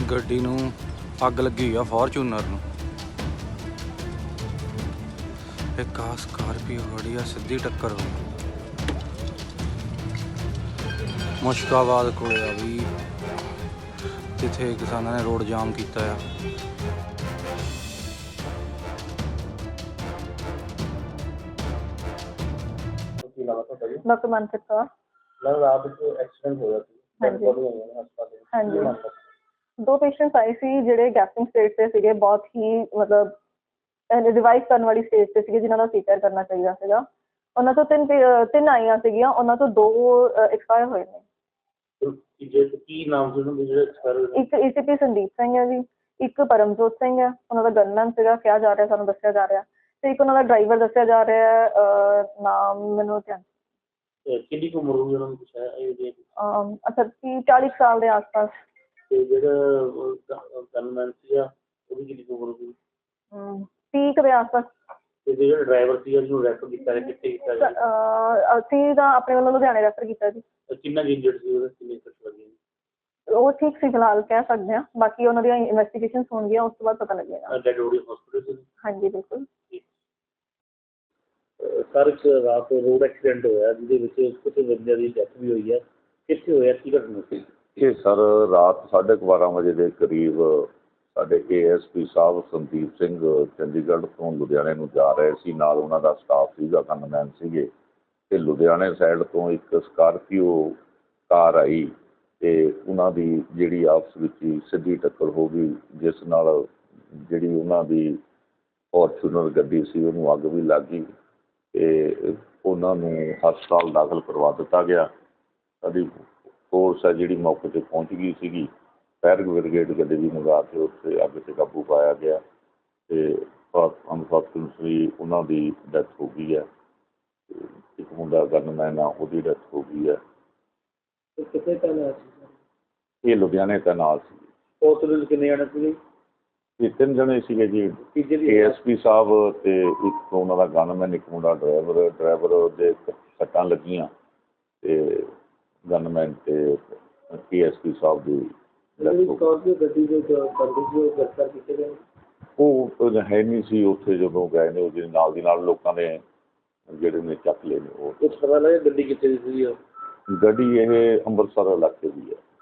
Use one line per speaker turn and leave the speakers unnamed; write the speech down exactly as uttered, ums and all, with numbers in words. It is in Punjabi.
ਗੱਡੀ ਨੂੰ ਅੱਗ ਲੱਗੀ ਆ ਫੋਰਚੂਨਰ ਨੂੰ। ਇੱਕ ਆ ਸਕਾਰਪੀਓ ਖੜੀ ਆ, ਸਿੱਧੀ ਟੱਕਰ ਹੋ ਗਈ। ਮੁਸ਼ਕਾਬਾਦ ਕੋਲੇ ਆ ਵੀ, ਜਿੱਥੇ ਕਿਸਾਨਾਂ ਨੇ ਰੋਡ ਜਾਮ ਕੀਤਾ ਆ।
ਡਾਕਟਰ ਮਨਪ੍ਰੀਤ ਕੌਰ।
मैम रात को एक्सीडेंट होया सी
ਹਾਂਜੀ
हस्पताल
ਹਾਂਜੀ ਦੋ ਪੇਸ਼ੈਂਟਸ ਆਏ ਸੀ ਜਿਹੜੇ ਗੈਸਟਿੰਗ ਸਟੇਜ ਤੇ ਸੀਗੇ, ਬਹੁਤ ਹੀ ਮਤਲਬ ਰਿਵਾਈਵ ਕਰਨ ਵਾਲੀ ਸਟੇਜ ਤੇ ਸੀਗੇ, ਜਿਨ੍ਹਾਂ ਦਾ ਸੀਕਰ ਕਰਨਾ ਚਾਹੀਦਾ ਸੀਗਾ। ਉਹਨਾਂ ਤੋਂ ਤਿੰਨ ਤਿੰਨ ਆਈਆਂ ਸੀਗੀਆਂ, ਉਹਨਾਂ ਤੋਂ ਦੋ ਐਕਸਪਾਇਰ ਹੋਏ ਨੇ।
ਕੀ ਨਾਮ ਸੀ ਉਹਨਾਂ ਦੇ ਜਿਹੜੇ ਐਕਸਪਾਇਰ?
ਇੱਕ ਏਸੀਪੀ ਸੰਦੀਪ ਸਿੰਘ ਹੈ ਜੀ, ਇੱਕ ਪਰਮਜੋਤ ਸਿੰਘ ਹੈ, ਉਹਨਾਂ ਦਾ ਗਨਮੈਨ ਸੀਗਾ ਕਿਹਾ ਜਾ ਰਿਹਾ, ਸਾਨੂੰ ਦੱਸਿਆ ਜਾ ਰਿਹਾ, ਤੇ ਇੱਕ ਉਹਨਾਂ ਦਾ ਡਰਾਈਵਰ ਦੱਸਿਆ ਜਾ ਰਿਹਾ ਹੈ, ਨਾਮ ਮੈਨੂੰ ਧਿਆਨ।
ਕਿੰਨੀ ਕੁ ਉਮਰ ਹੋਈ ਉਹਨਾਂ ਦੀ? ਕੁਛ ਹੈ
ਅਮ ਅੱਛਾ ਤੀਹ ਚਾਲੀ ਸਾਲ ਦੇ ਆਸ-ਪਾਸ।
ਤੇ ਜਿਹੜਾ ਗਨਮੈਨ ਸੀਗਾ ਉਹਦੀ ਕਿੰਨੀ ਕੁ ਉਮਰ ਹੋਈ?
ਹਮ ਤੀਹ ਕੁ ਦੇ ਆਸ-ਪਾਸ।
ਤੇ ਜਿਹੜਾ ਡਰਾਈਵਰ ਸੀਗਾ ਜਿਹਨੂੰ ਰੈਫਰ ਕੀਤਾ ਗਿਆ, ਕਿੱਥੇ ਕੀਤਾ ਗਿਆ?
ਅਸੀਂ ਤਾਂ ਆਪਣੇ ਵੱਲੋਂ ਲੁਧਿਆਣੇ ਰੈਫਰ ਕੀਤਾ ਜੀ।
ਕਿੰਨਾ ਇੰਜਰਡ ਸੀ ਉਹਦੇ, ਕਿੰਨੇ ਸੱਟ ਲੱਗੀ?
ਉਹ ਠੀਕ ਸੀ ਫਿਲਹਾਲ, ਕਹਿ ਸਕਦੇ ਹਾਂ, ਬਾਕੀ ਉਹਨਾਂ ਦੀਆਂ ਇਨਵੈਸਟੀਗੇਸ਼ਨਸ ਹੋਣਗੀਆਂ, ਉਸ ਤੋਂ ਬਾਅਦ ਪਤਾ ਲੱਗੇਗਾ।
ਡੈਡ ਬੋਡੀ ਹਸਪੀਟਲ ਸੀ?
ਹਾਂਜੀ ਬਿਲਕੁਲ।
ਸਰ ਇੱਕ ਰਾਤ ਰੋਡ ਐਕਸੀਡੈਂਟ ਹੋਇਆ ਜਿਹਦੇ ਵਿੱਚ ਕੁਝ ਬੰਦਿਆਂ ਦੀ ਡੈਥ ਵੀ ਹੋਈ ਹੈ, ਕਿੱਥੇ ਹੋਇਆ, ਕੀ ਘਟਨਾ ਸੀ?
ਇਹ ਸਰ ਰਾਤ ਸਾਢੇ ਕੁ ਬਾਰਾਂ ਵਜੇ ਦੇ ਕਰੀਬ ਸਾਡੇ ਏ ਐਸ ਪੀ ਸਾਹਿਬ ਸੰਦੀਪ ਸਿੰਘ ਚੰਡੀਗੜ੍ਹ ਤੋਂ ਲੁਧਿਆਣੇ ਨੂੰ ਜਾ ਰਹੇ ਸੀ, ਨਾਲ ਉਹਨਾਂ ਦਾ ਸਟਾਫ ਸੀਗਾ, ਗਨਮੈਨ ਸੀਗੇ, ਅਤੇ ਲੁਧਿਆਣੇ ਸਾਈਡ ਤੋਂ ਇੱਕ ਸਕਾਰਪੀਓ ਕਾਰ ਆਈ ਅਤੇ ਉਹਨਾਂ ਦੀ ਜਿਹੜੀ ਆਪਸ ਵਿੱਚ ਹੀ ਸਿੱਧੀ ਟੱਕਰ ਹੋ ਗਈ, ਜਿਸ ਨਾਲ ਜਿਹੜੀ ਉਹਨਾਂ ਦੀ ਫੋਰਚੂਨਰ ਗੱਡੀ ਸੀ ਉਹਨੂੰ ਅੱਗ ਵੀ ਲੱਗ ਗਈ ਅਤੇ ਉਹਨਾਂ ਨੂੰ ਹਸਪਤਾਲ ਦਾਖਲ ਕਰਵਾ ਦਿੱਤਾ ਗਿਆ। ਸਾਡੀ ਫੋਰਸ ਹੈ ਜਿਹੜੀ ਮੌਕੇ 'ਤੇ ਪਹੁੰਚ ਗਈ ਸੀਗੀ, ਫਾਇਰ ਬ੍ਰਿਗੇਡ ਗੱਡੀ ਵੀ ਮੰਗਾ ਕੇ ਉੱਥੇ ਅੱਗ 'ਤੇ ਕਾਬੂ ਪਾਇਆ ਗਿਆ ਅਤੇ ਅਨਫੋਰਚੂਨੇਟਲੀ ਉਹਨਾਂ ਦੀ ਡੈਥ ਹੋ ਗਈ ਹੈ। ਅਤੇ ਇੱਕ ਮੁੰਡਾ ਗਨਮੈਨ ਆ, ਉਹਦੀ ਡੈਥ ਹੋ ਗਈ ਹੈ।
ਕਿੱਥੇ ਤੈਨਾਤ ਸੀ?
ਇਹ ਲੁਧਿਆਣੇ ਤੈਨਾਤ ਸੀ।
ਹਸਪਤਾਲ ਕਿੰਨੇ ਜਾਣੇ ਸੀਗੇ?
ਇਹ ਤਿੰਨ ਜਣੇ ਸੀਗੇ ਜੀ, ਏ ਐਸ ਪੀ ਸਾਹਿਬ ਅਤੇ ਇੱਕ ਉਹਨਾਂ ਦਾ ਗਨਮੈਨ, ਇੱਕ ਮੁੰਡਾ ਡਰਾਈਵਰ। ਡਰਾਈਵਰ ਦੇ ਸੱਟਾਂ ਲੱਗੀਆਂ ਅਤੇ ਗਨਮੈਨ ਅਤੇ ਏ ਐਸ ਪੀ ਸਾਹਿਬ ਦੀ
ਗੱਡੀ ਦੇ ਗ੍ਰਿਫਤਾਰ ਕੀਤੇ ਗਏ?
ਉਹ ਹੈ ਨਹੀਂ ਸੀ ਉੱਥੇ ਜਦੋਂ ਗਏ ਨੇ, ਉਹਦੇ ਨਾਲ ਦੀ ਨਾਲ ਲੋਕਾਂ ਨੇ ਜਿਹੜੇ ਨੇ ਚੱਕ ਲਏ ਨੇ। ਉਹ
ਕੁਛ ਪਤਾ ਲੱਗਿਆ ਗੱਡੀ ਕਿੱਥੇ ਦੀ ਸੀ?
ਗੱਡੀ ਇਹ ਅੰਮ੍ਰਿਤਸਰ ਇਲਾਕੇ ਦੀ ਹੈ।